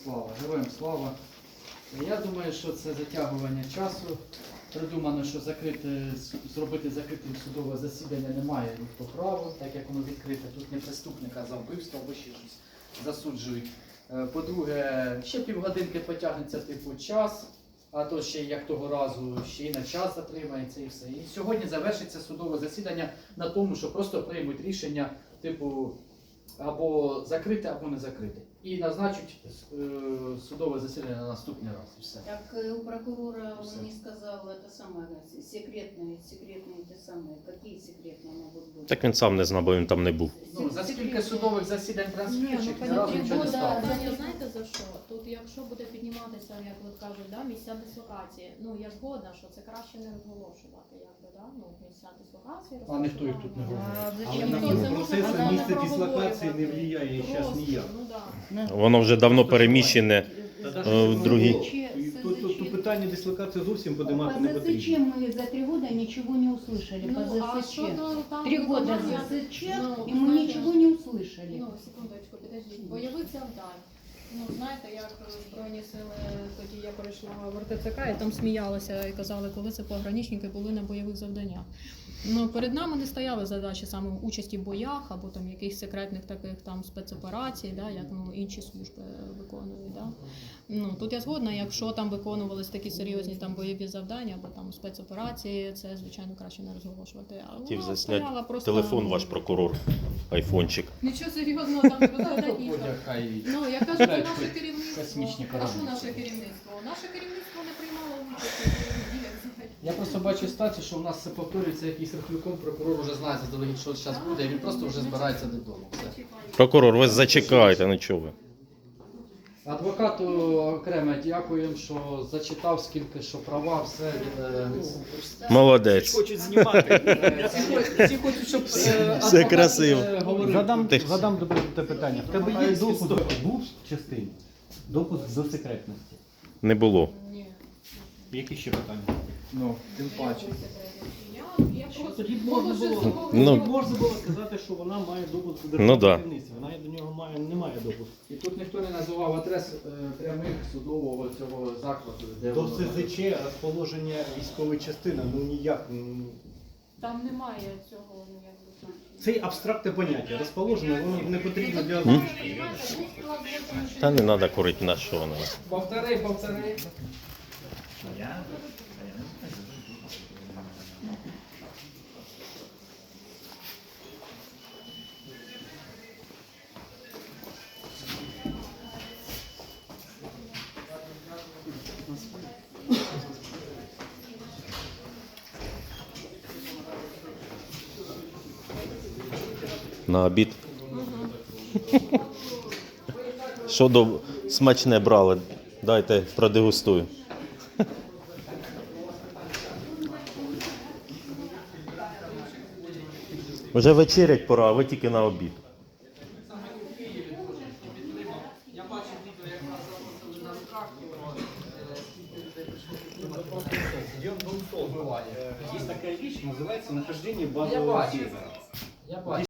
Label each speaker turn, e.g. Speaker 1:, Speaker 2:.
Speaker 1: слава, героям слава. Я думаю, що це затягування часу. Придумано, що зробити закритим судове засідання немає ніхто права, так як воно відкрите. Тут не преступника за вбивство або ще щось засуджують. По-друге, ще півгодинки потягнеться типу час, а то ще як того разу ще й на час затримається і все. І сьогодні завершиться судове засідання на тому, що просто приймуть рішення типу або закрити, або не закрити. І назначать судове засідання на наступний раз. І все.
Speaker 2: Так у прокурора он не сказал это самое, секретные те самые, какие секретные могут быть?
Speaker 3: Так він сам не знав, бо він там не був.
Speaker 1: Ну, за скільки судових засідань транскрипцій, ні
Speaker 2: ну,
Speaker 1: разу нічого не стало.
Speaker 4: Питання, знаєте за що? Тут якщо буде підніматися, як от кажуть, да, місця дислокації, ну я згодна, що це краще не розголошувати, якби, да, ну, місця дислокації.
Speaker 1: А ніхто їх тут не говорить.
Speaker 4: Зачем?
Speaker 5: Але
Speaker 4: Ніхто
Speaker 5: на
Speaker 4: це може
Speaker 5: процес
Speaker 4: подати
Speaker 5: місця
Speaker 4: на
Speaker 5: дислокації не
Speaker 4: проговорювати.
Speaker 5: впливає зараз
Speaker 4: Просто,
Speaker 5: ніяк.
Speaker 4: ну, да.
Speaker 3: Воно вже давно переміщене в другі.
Speaker 5: Тут питання дислокації зовсім подимати не
Speaker 2: По
Speaker 5: потрібно.
Speaker 2: ЗСЧ мы за 3 года ничего не услышали.
Speaker 4: Ну,
Speaker 2: По
Speaker 4: а
Speaker 2: ЗСЧ.
Speaker 4: щодо там
Speaker 2: 3 года
Speaker 4: виконання,
Speaker 2: ЗСЧ,
Speaker 4: ну,
Speaker 2: и мы
Speaker 4: знаєте,
Speaker 2: ничего не услышали.
Speaker 4: Ну, секундочку, підождіть. Бойових завдань. Ну, знаєте, як Збройні сили, тоді я перейшла в РТЦК, і там сміялися і казали, коли це пограничники були на бойових завданнях. Ну, перед нами не стояли задачі саме участі в боях або там якихось секретних таких там спецоперацій, да, як ну, інші служби виконують. Да. Ну, тут я згодна, якщо там виконувались такі серйозні там бойові завдання або там спецоперації, це, звичайно, краще не розголошувати. А
Speaker 3: Хотів
Speaker 4: вона
Speaker 3: засняти
Speaker 4: стояла просто,
Speaker 3: телефон ваш прокурор, айфончик.
Speaker 4: Нічого серйозного там не розглядати ніхто.
Speaker 1: Хай
Speaker 4: Ну, я кажу, це наше керівництво.
Speaker 1: космічні
Speaker 4: А
Speaker 1: кораблі.
Speaker 4: що наше керівництво? Наше керівництво не приймало участь у бойових діях взагалі.
Speaker 1: Я просто бачу ситуацію, що у нас це повторюється якийсь рахунком, прокурор вже знає заздалегідь, що зараз буде, і він просто вже збирається додому. Все.
Speaker 3: Прокурор, ви зачекайте, ну чого ви?
Speaker 1: Адвокату окремо дякуємо, що зачитав скільки, що права, все.
Speaker 3: Молодець.
Speaker 5: Хочуть знімати.
Speaker 1: Всі хочуть, щоб
Speaker 3: Все красиво.
Speaker 5: Задам добре те питання. В тебе є допуск був в частині? Допуск до секретності.
Speaker 3: Не було.
Speaker 4: Ні.
Speaker 5: Які ще питання?
Speaker 1: Ну, тим паче.
Speaker 4: Я просто
Speaker 5: Тоді можна було,
Speaker 3: Ну.
Speaker 5: можна було сказати, що вона має допуск до
Speaker 3: Ну, да.
Speaker 5: державного керівництва. Вона до нього не має допуску.
Speaker 1: І тут ніхто не називав адрес прямих судового цього закладу, де
Speaker 5: До
Speaker 1: воно
Speaker 5: СЗЧ розположення військової частини, ну ніяк.
Speaker 4: Там немає цього ніякого значення.
Speaker 5: Це абстрактне поняття. Розположення, воно не потрібно для озвучки.
Speaker 3: Та не треба курити на що воно.
Speaker 1: Повтори.
Speaker 3: На обід. Що до смачне брали? Дайте продегустую. Вже вечерять пора, а ви тільки на обід.
Speaker 1: Я бачив відео, як нас заносили на руках,
Speaker 5: Есть такая вещь, называется нахождение
Speaker 1: Я
Speaker 5: базового
Speaker 1: бачу.
Speaker 5: сервера.
Speaker 1: Я бачу.